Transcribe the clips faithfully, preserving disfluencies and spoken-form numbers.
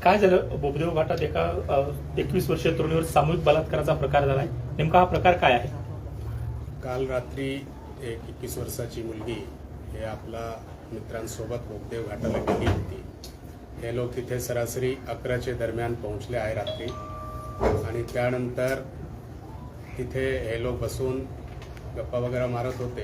काय झालं बोबदेव घाटात एका एकवीस वर्षीय तरुणीवर सामूहिक बलात्काराचा प्रकार झालाय, नेमका हा प्रकार काय आहे? काल रात्री एक एकवीस वर्षाची मुलगी हे आपला मित्रांसोबत बोबदेव घाटाला गेली होती. हे लोक तिथे सरासरी अकराचे दरम्यान पोहोचले आहे रात्री, आणि त्यानंतर तिथे हे लोक बसून गप्पा वगैरे मारत होते.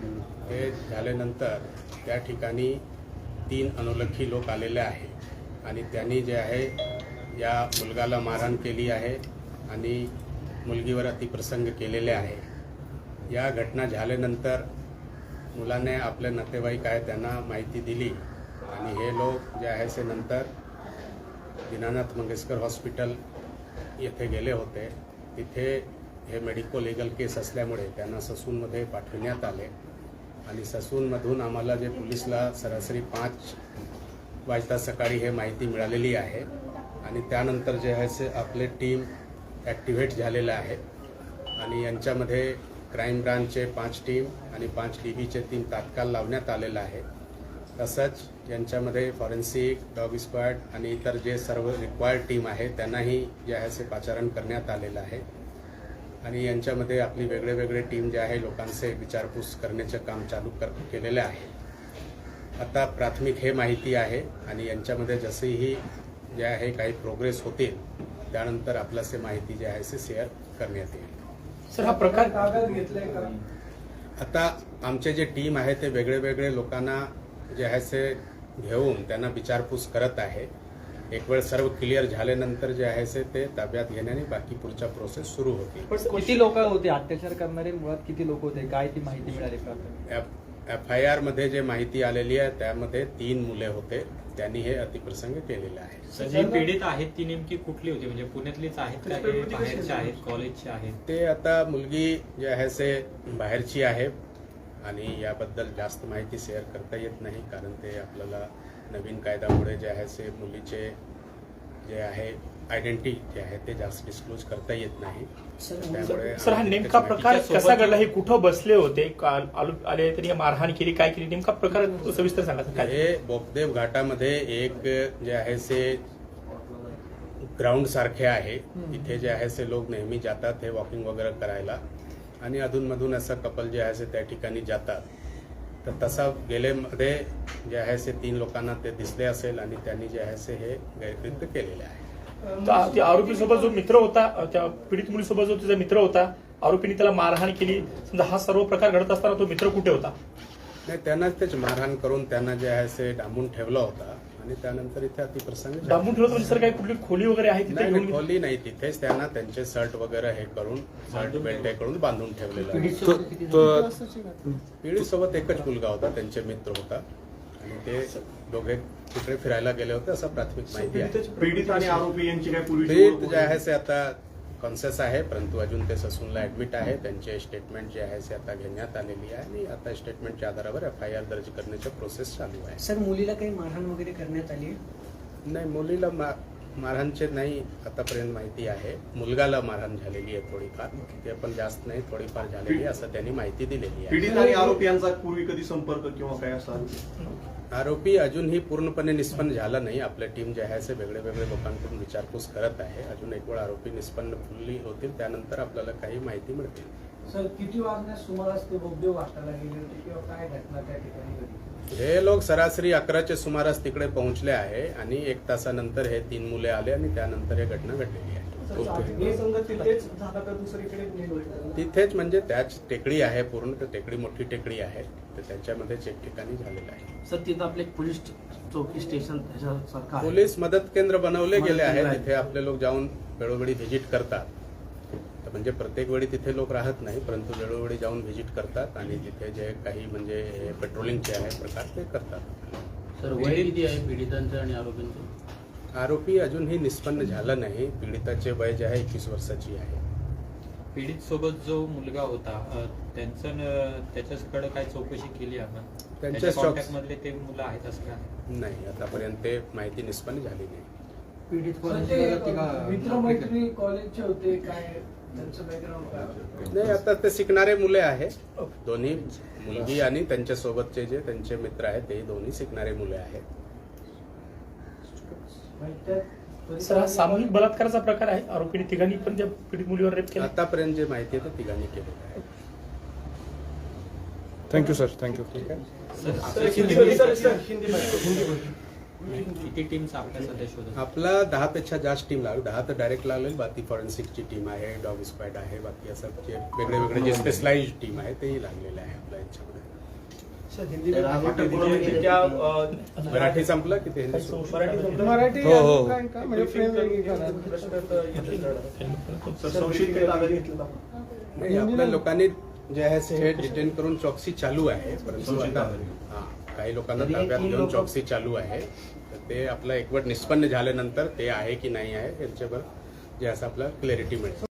हे झाल्यानंतर त्या ठिकाणी तीन अनोळखी लोक आलेले आहे आणि त्यांनी जे आहे या मुलगाला मारहाण केली आहे आणि मुलगीवर अतिप्रसंग केलेले आहे. या घटना झाल्यानंतर मुलाने आपले नातेवाईक आहे त्यांना माहिती दिली आणि हे लोक जे आहे ते नंतर दीनानाथ मंगेशकर हॉस्पिटल येथे गेले होते. तिथे हे मेडिको लिगल केस असल्यामुळे त्यांना ससूनमध्ये पाठविण्यात आले आणि ससूनमधून आम्हाला जे पोलिसला सरासरी पाच वाजता सकाळी हे माहिती मिळालेली आहे आणि त्यानंतर जे आहे ते आपले टीम ॲक्टिव्हेट झालेलं आहे आणि यांच्यामध्ये क्राईम ब्रांचचे पाच टीम आणि पाच डी बीचे तीन तात्काळ लावण्यात आलेलं आहे. तसंच यांच्यामध्ये फॉरेन्सिक, डॉग स्क्वॉड आणि इतर जे सर्व रिक्वायर्ड टीम आहे त्यांनाही जे आहे ते पाचारण करण्यात आलेलं आहे आणि यांच्यामध्ये आपली वेगळे वेगळे टीम जे आहे लोकांचे विचारपूस करण्याचे काम चालू कर केलेले आहे. आता प्राथमिक हे माहिती आहे आणि यांच्यामध्ये जसेही जे आहे काही प्रोग्रेस होतील त्यानंतर आपल्यासे माहिती जी आहे ते शेअर करण्यात येईल. सर, हा प्रकार कागद घेतलाय का? आता आमचे जे टीम आहे ते वेगळे वेगळे लोकांना जे आहे ते घेऊन त्यांना विचारपूस करत आहे. एक वेळ सर्व क्लिअर झाल्यानंतर जे आहे ते ताब्यात घेण्याने बाकी पुढचा प्रोसेस सुरू होतील. किती लोक होते अत्याचार करणारे? मुळात किती लोक होते, काय ती माहिती मिळाली का? एफ आय आर मध्ये जे माहिती आलेली आहे त्यामध्ये तीन मुले होते, त्यांनी हे अतिप्रसंग केलेले आहे. जी पीडित आहेत ती नेमकी कुठली होती? म्हणजे पुण्यातलीच आहेत का, हे बाहेरचे आहेत, कॉलेजचे आहेत? ते आता मुलगी जे आहे ते बाहेरची आहे आणि याबद्दल जास्त माहिती शेअर करता येत नाही, कारण ते आपल्याला नवीन कायद्यामुळे जे आहे ते मुलीचे जे आहे आयडेंटिटी जे आहे ते जास्त डिस्क्लोज करता येत नाही. त्यामुळे सर, हा नेमका प्रकार कसा घडला? हे कुठं बसले होते, आले तरी मारहाण केली, काय केली, नेमका प्रकार सविस्तर सांगा. हे बोबदेव घाटामध्ये एक जे आहे ते ग्राउंड सारखे आहे, इथे जे आहे ते लोक नेहमी जातात हे वॉकिंग वगैरे करायला आणि अधूनमधून असं कपल जे आहे ते त्या ठिकाणी जातात. तर तसा गेलेमध्ये जे आहे ते तीन लोकांना ते दिसले असेल आणि त्यांनी जे आहे ते हे गैरकृत्य केलेले आहे. त्या आरोपी सोबत जो मित्र होता, त्या पीडित मुलीसोबत जो तिचा मित्र होता, आरोपीने त्याला मारहाण केली, समजा हा सर्व प्रकार घडत असताना तो मित्र कुठे होता? नाही, त्यांनाच तेच मारहाण करून त्यांना जे आहे ते डांबून ठेवला होता आणि त्यानंतर इथे अतिप्रसंग डांबून ठेवलं म्हणजे सर काही कुठली खोली वगैरे आहे तिथे? नाही, खोली नाही, तिथेच त्यांना त्यांचे शर्ट वगैरे हे करून शर्ट बेल्ट हे करून बांधून ठेवलेलं आहे. पीडित सोबत एकच मुलगा होता, त्यांचे मित्र होता आणि ते दोघे तिकडे फिरायला गेले होते असं प्राथमिक माहिती आहे. पीडित आणि आरोपी यांची काय पीडित जे आहे ते आता कॉन्शियस आहे, परंतु अजून ते ससूनला ऍडमिट आहे. त्यांचे स्टेटमेंट जे आहे ते आता घेण्यात आलेली आहे आणि आता स्टेटमेंटच्या आधारावर एफ आय आर दर्ज करण्याचा प्रोसेस चालू आहे. सर, मुलीला काही मारहाण वगैरे करण्यात आली? नाही, मुलीला मारहाणचे नाही आतापर्यंत माहिती आहे. मुलगाला मारहाण झालेली आहे थोडीफार, ते पण जास्त नाही, थोडीफार झालेली असं त्यांनी माहिती दिलेली आहे. पीडित आणि आरोपी यांचा पूर्वी कधी संपर्क किंवा काय असा? आरोपी अजूनही पूर्णपणे निष्पन्न झाला नाही. आपल्या टीम जे आहे ते वेगळे वेगळे लोकांकडून विचारपूस करत आहे. अजून एक वेळ आरोपी निष्पन्न फुल्ली होतील त्यानंतर आपल्याला काही माहिती मिळतील. सर, किती वाजण्यास सुमारास ते बोबदेव घाटाला गेले होते किंवा काय घटना त्या ठिकाणी घडली? हे लोक सरासरी अकराच्या सुमारास तिकडे पोहोचले आहे आणि एक तासानंतर हे तीन मुले आले आणि त्यानंतर हे घटना घडलेली आहे. तिथेच म्हणजे त्याच टेकडी आहे, पूर्ण टेकडी मोठी टेकडी आहे, तर त्याच्यामध्येच एक ठिकाणी झालेलं आहे. सर, तिथं आपले पोलीस चौकी स्टेशन त्याच्यासारखं पोलीस मदत केंद्र बनवले गेले आहेत, तिथे आपले लोक जाऊन वेळोवेळी व्हिजिट करतात. तर म्हणजे प्रत्येक वेळी तिथे लोक राहत नाही, परंतु वेळोवेळी जाऊन व्हिजिट करतात आणि तिथे जे काही म्हणजे पेट्रोलिंगचे आहे प्रकार ते करतात. सर, वय किती आहे पीडितांचं आणि आरोपींचं? आरोपी अजूनही निष्पन्न झाला नाही. पीडिताचे वय जे आहे एकवीस वर्षाची आहे. पीडित सोबत जो मुलगा होता त्यांचं त्याच्याकडे काय चौकशी केली आपण? त्यांच्या कॉन्टॅक्ट मधले ते मुलं आहेत असं काय? नाही, आतापर्यंत ते माहिती निष्पन्न झाली नाही. पीडित मित्रमैत्री कॉलेजचे होते, काय त्यांचं बॅकग्राऊंड? नाही, आता ते शिकणारे मुले आहे दोन्ही, मुलगी आणि त्यांच्या सोबतचे जे त्यांचे मित्र आहेत ते दोन्ही शिकणारे मुले आहेत. त्वरित सर हा सामूहिक बलात्काराचा प्रकार आहे. आरोपीने तिघांनी पण त्या पीडित मुलीवर रेप केला. आतापर्यंत जे माहिती आहे ते तिघांनी केलेलं आहे. थँक्यू सर थँक्यू किती टीम्स आपल्या सध्या शोधत आपला दहापेक्षा जास्त टीम लागली. दहा तर डायरेक्ट लागलेली, बाकी फॉरेन्सिकची टीम आहे, डॉग स्क्वॅड आहे, बाकी असं जे वेगळे वेगळे जे स्पेशलाइज टीम आहे तेही लागलेले आहे आपल्या याच्यामध्ये. मराठी संपलं की ते हिंदी सुरू? मराठी हो हो सर, संशयित काही ताब्यात घेतलं आपण? नाही, आपल्या लोकांनी जे आहे ते डिटेन करून चौकसी चालू आहे. परंतु आता हा काही लोकांना ताब्यात घेऊन चौकसी चालू आहे. तर ते आपलं एकवट निष्पन्न झाल्यानंतर ते आहे की नाही आहे याच्यावर जे असं आपलं क्लॅरिटी मिळेल.